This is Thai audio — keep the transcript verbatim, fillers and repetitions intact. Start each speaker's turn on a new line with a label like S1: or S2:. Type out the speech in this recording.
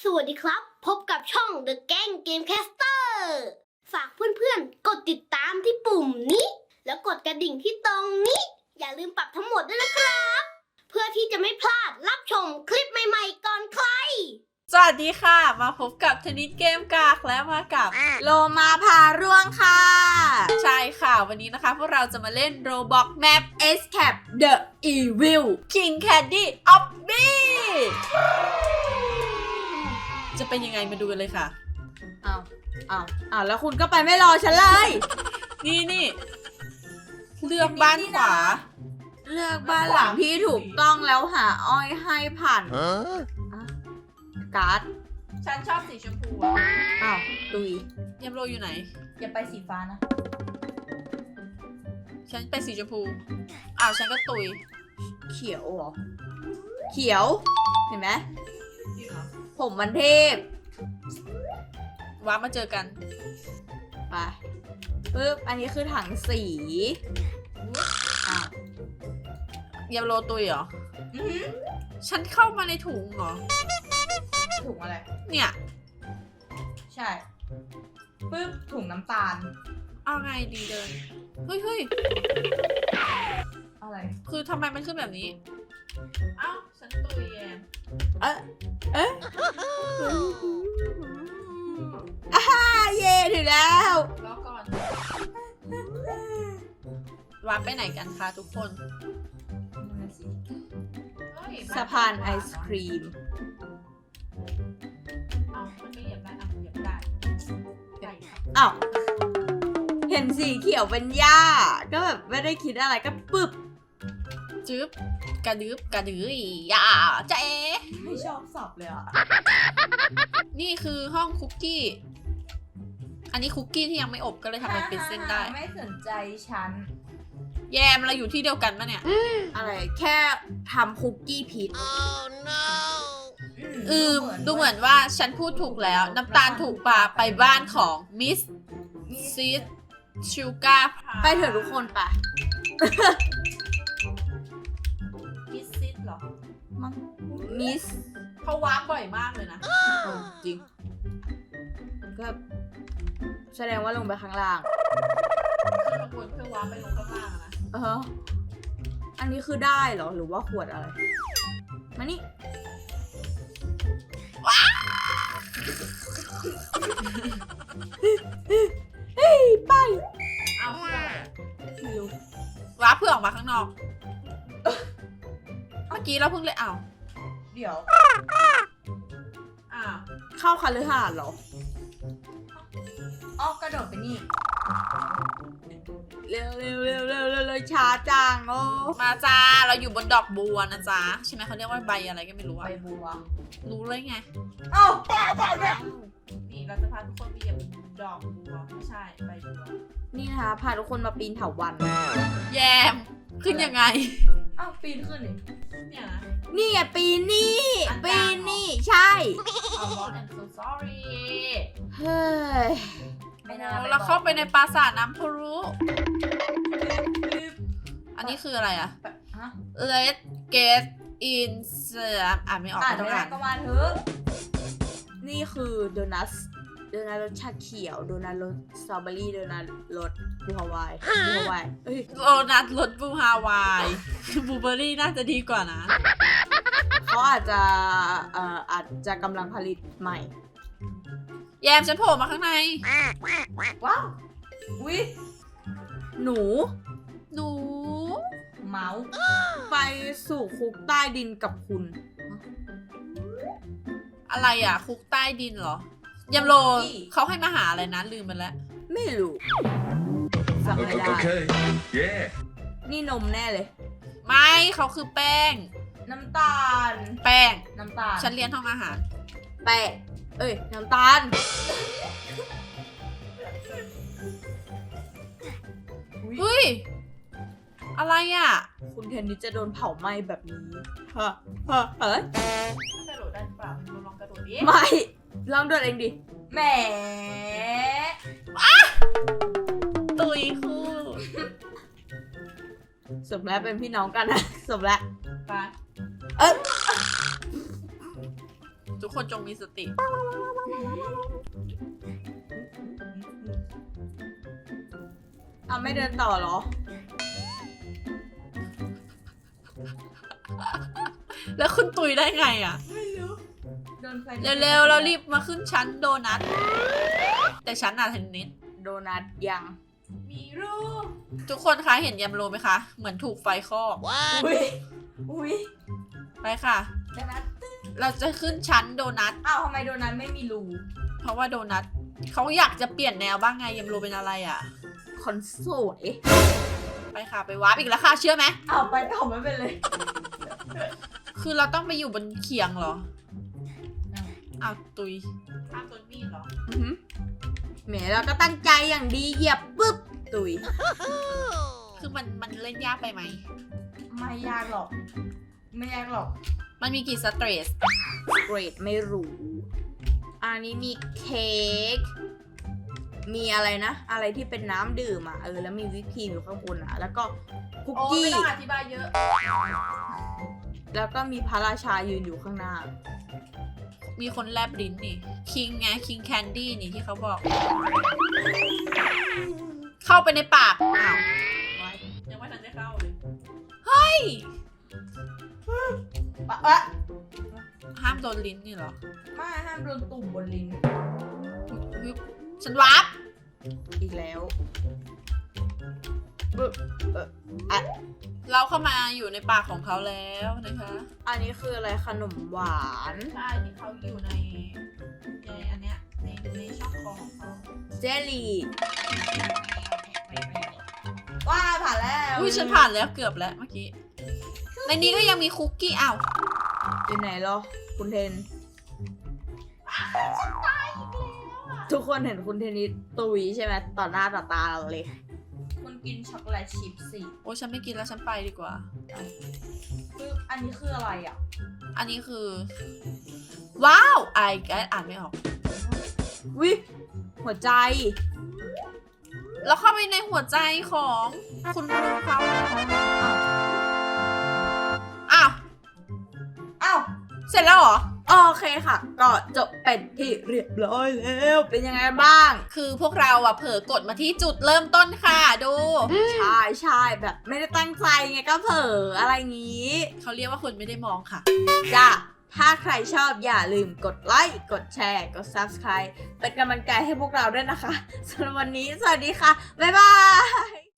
S1: สวัสดีครับพบกับช่อง The Gang Gamecaster ฝากเพื่อนๆกดติดตามที่ปุ่มนี้แล้วกดกระดิ่งที่ตรงนี้อย่าลืมปรับทั้งหมดด้วยนะครับเพื่อที่จะไม่พลาดรับชมคลิปใหม่ๆก่อนใคร
S2: สวัสดีค่ะมาพบกับธนิตเกมกากและมากับโลมาพาร่วงค่ะใช่ค่ะวันนี้นะคะพวกเราจะมาเล่น Roblox Map Escape The Evil King Candy of Me จะเป็นยังไงมาดูกันเลยค่ะอ้าวอ้าวอ้าวแล้วคุณก็ไปไม่รอฉันเลย นี่นี่เลือกบ้านขวาเลือกบ้านหลังที่ถูกต้องแล้วหาอ้อยให้ผ่านการ์ดฉันชอบสีชมพูอ่ะอ้าวตุยยมโรอยู่ไหนอย่าไปสีฟ้านะฉันเป็นสีชมพูอ้าวฉันก็ตุยเขียวเหรอเขียวเห็นไหมผมมันเทพว้ามาเจอกันไปปึ๊บอันนี้คือถังสีอ้าวยมโรตุยเหรอฉันเข้ามาในถุงเหรอ
S3: ถุงอะไร
S2: เนี่ย
S3: ใช่ปึ๊บถุงน้ำตาล
S2: เอาไงดีเดินเฮ้ยเฮ้ย
S3: อะไร
S2: คือทำไมมันขึ้นแบบนี้เอ้าฉันตุยแยม
S3: เอ๊ะเอ๊ะอ่าเย่ถึงแล้ว
S2: รอก่อนวาร์ปไปไหนกันคะทุกคน
S3: สะพานไอศครีมอ้าวเห็นสีเขียวเป็นหญ้าก็แบบไม่ได้คิดอะไรก็ปึ๊บ
S2: จึ๊บกระดึบกระดืออย่าเจ๊
S3: ไม่ชอบสับเลยอ่ะ
S2: นี่คือห้องคุกกี้อันนี้คุกกี้ที่ยังไม่อบก็เลยทำมันเป็นเส้นได้
S3: ไม่สนใจฉัน
S2: แยมเราอยู่ที่เดียวกันปะเนี่ย
S3: อะไรแค่ทำคุกกี้พิษ
S2: อืมดูเหมือนว่าฉันพูดถูกแล้วน้ำตาลถูกปาไปบ้านของมิสซิสชูการ์
S3: ไปเถอะทุกคนไป
S2: มิสซิสหรอ
S3: มิส
S2: เขาวาร์ปบ่อยมากเลยนะ
S3: จริงก็แสดงว่าลงไปข้างล่าง
S2: ขึ้นมาบนเพื่อวาร์ปไปลงข้างล่างนะ
S3: เอออันนี้คือได้เหรอหรือว่าขวดอะไรมานี่
S2: ว้า
S3: เฮ้ยไป
S2: เอาไม่รู้ว้าเพื่อออกมาข้างนอกเมื่อกี้เราเพิ่งเลยเอา
S3: เดี๋ยว
S2: อ้าว
S3: เข้าคฤหาสน์เหรออ๋อกระโดดไปนี่เร็วเร็วเร็วเร็วเร็วเลยช้าจังโอ้
S2: มาจ้าเราอยู่บนดอกบัวนะจ๊ะใช่ไหมเขาเรียกว่าใบอะไรก็ไม่รู้อะ
S3: ใบบัว
S2: รู้เลยไง
S3: เอ้าป้าป้าเนี่ย
S2: นี่เราจะพาทุกคนไปเหยียบดอกบัวไม่ใช่ใบบัว
S3: นี่นะคะพาทุกคนมาปีนเถาวัลย์
S2: แยมขึ้นยังไง
S3: อ้าวปีนขึ้นนี่
S2: เนี่ยนะ
S3: นี่ไงปีนนี่ปีนนี่ใช่
S2: Oh Lord I'm so sorry
S3: เฮ้ย
S2: เราเข้าไปในปราสาทน้ำพุรุอันนี้คืออะไรอะ Let's get in อ่านไม่ออก
S3: ต้องอ่านก็มาเถอะนี่คือโดนัทโดนัทรสชาเขียวโดนัทรสสตรอเบอรี่โดนัทรสบูฮาวายบูฮาวาย
S2: โดนัทรสบูฮาวายบลูเบอร์รี่น่าจะดีกว่านะ
S3: เขาอาจจะเอ่ออาจจะกำลังผลิตใหม่
S2: แยมฉันโผล่มาข้างใน
S3: ว้าวอุ๊ยหนู
S2: หนู
S3: เมาส์ไปสู่คุกใต้ดินกับคุณ
S2: อะไรอ่ะคุกใต้ดินเหรอยำโรเขาให้มาหาอะไรนะลืมไปแล้ว
S3: ไม่รู้จำไม่ได้นี่นมแน่เลย
S2: ไม่เขาคือแป้ง
S3: น้ำตาล
S2: แป้ง
S3: น้ำตาล
S2: ฉันเรียนห้องอาหาร
S3: แป้งเอ้ยน้ำตาล
S2: เฮ้ยอะไรอ่ะ
S3: คุณเทนนิสจะโดนเผาไหม้แบบนี้ฮะฮะเอ้ย
S2: กระโดดได้เปล่าลองกระโดดดิ
S3: ไม่ลองโดดเองดิแหม
S2: ตุยคู่
S3: สมแล้วเป็นพี่น้องกันนะสมแล้ว
S2: ไป
S3: เอ้ย
S2: ทุกกคนจงมีสติ
S3: เอาไม่เดินต่อเหรอ
S2: แล้วคุณตุยได้ไงอ่ะ
S3: ไม่รู้เดินไป
S2: เร็วๆเรารีบมาขึ้นชั้นโดนัท แต่ชั้นอะเทนนิส
S3: โดนัทยัง
S2: มีรูปทุกคนคะเห็นยำโรไหมคะ เหมือนถูกไฟคลอก
S3: อุ้ยอุ้ย
S2: ไปค่ะ
S3: โดนัท
S2: เราจะขึ้นชั้นโดนัท
S3: อ้าวทำไมโดนัทไม่มีรู
S2: เพราะว่าโดนัทเขาอยากจะเปลี่ยนแนวบ้างไงยำโรเป็นอะไรอ่ะ
S3: คนสวย
S2: ไปค่ะไปวาร์ปอีกแล้วค่ะเชื่อไหม
S3: เอาไปต่อไม่เป็นเลย
S2: คือเราต้องไปอยู่บนเขียงเหรอ อ้าวตุยข้ามต้นมีดเหรอ
S3: อือหือแหมเราก็ตั้งใจอย่างดีเหยียบปุ๊บตุย
S2: คือมันมันเล่นยากไปไหม
S3: ไม่ยากหรอก ไม่ยากหรอก
S2: มันมีกี่สเตรส
S3: เกรดไม่รู้ อันนี้มีเค้ก มีอะไรนะ อะไรที่เป็นน้ำดื่มอ่ะ เออ แล้วมีวิปครีมอยู่ข้างบนอ่ะ แล้วก็คุก
S2: โอ้
S3: กี้
S2: ไม่ต้องอธิบายเยอะ
S3: แล้วก็มีพระราชายืนอยู่ข้างหน้า
S2: มีคนแลบลิ้นนี่ คิงไง คิงแคนดี้นี่ที่เขาบอก เข้าไปในปาก อ้าวไว้ยังไม่ทันได้เข้าเลย เฮ้ย
S3: ปะอะ
S2: ห้ามโดนลิ้นนี่เหรอ
S3: ไม่ห้ามโดนตุ่มบนลิ้น
S2: วิบฉันวาร์ป
S3: อีกแล้วบึ๊บเอออะ
S2: เราเข้ามาอยู่ในปากของเขาแล้วนะคะ
S3: อันนี้คืออะไรขนมหวาน
S2: ใช่ที่เขาอยู่ในในอันเนี้ยในในช่องคอของเขา
S3: เจลลี่ว้าผ่านแล้ว
S2: อุ้ยฉันผ่านแล้วเกือบแล้วเมื่อกี้ ในนี้ก็ยังมีคุกกี้อ้าว
S3: อยู่ไหนเหรอ คุณเทน ทุกคนเห็นคุณเทนนิสตุยใช่ไหมต่อหน้าต่อตาเราเลย คุณกินช็อกโกแลตชิพสิ
S2: โอ้ฉันไม่กินแล้วฉันไปดีกว่า
S3: คืออันนี้คืออะไรอ่ะ
S2: อันนี้คือ ว้าวไอแกอ่านไม่ออก
S3: วิหัวใจ
S2: แล้วเข้าไปในหัวใจของคุณครูเขาอ้าว
S3: อ้าว
S2: เสร็จแล้วเหรอ
S3: โอเคค่ะ ก็จบเป็นที่เรียบร้อยแล้ว เป็นยังไงบ้าง
S2: คือพวกเราอะเผลอกดมาที่จุดเริ่มต้นค่ะ ดู
S3: ใช่ใช่แบบไม่ได้ตั้งใจไงก็เผลออะไรงี้
S2: เขาเรียกว่าคนไม่ได้มองค่ะ
S3: จ้ะ ถ้าใครชอบอย่าลืมกดไลค์ กดแชร์ กด ซับสไครบ์ เป็นกำลังใจให้พวกเราด้วยนะคะสำหรับวันนี้ สวัสดีค่ะ บ๊ายบาย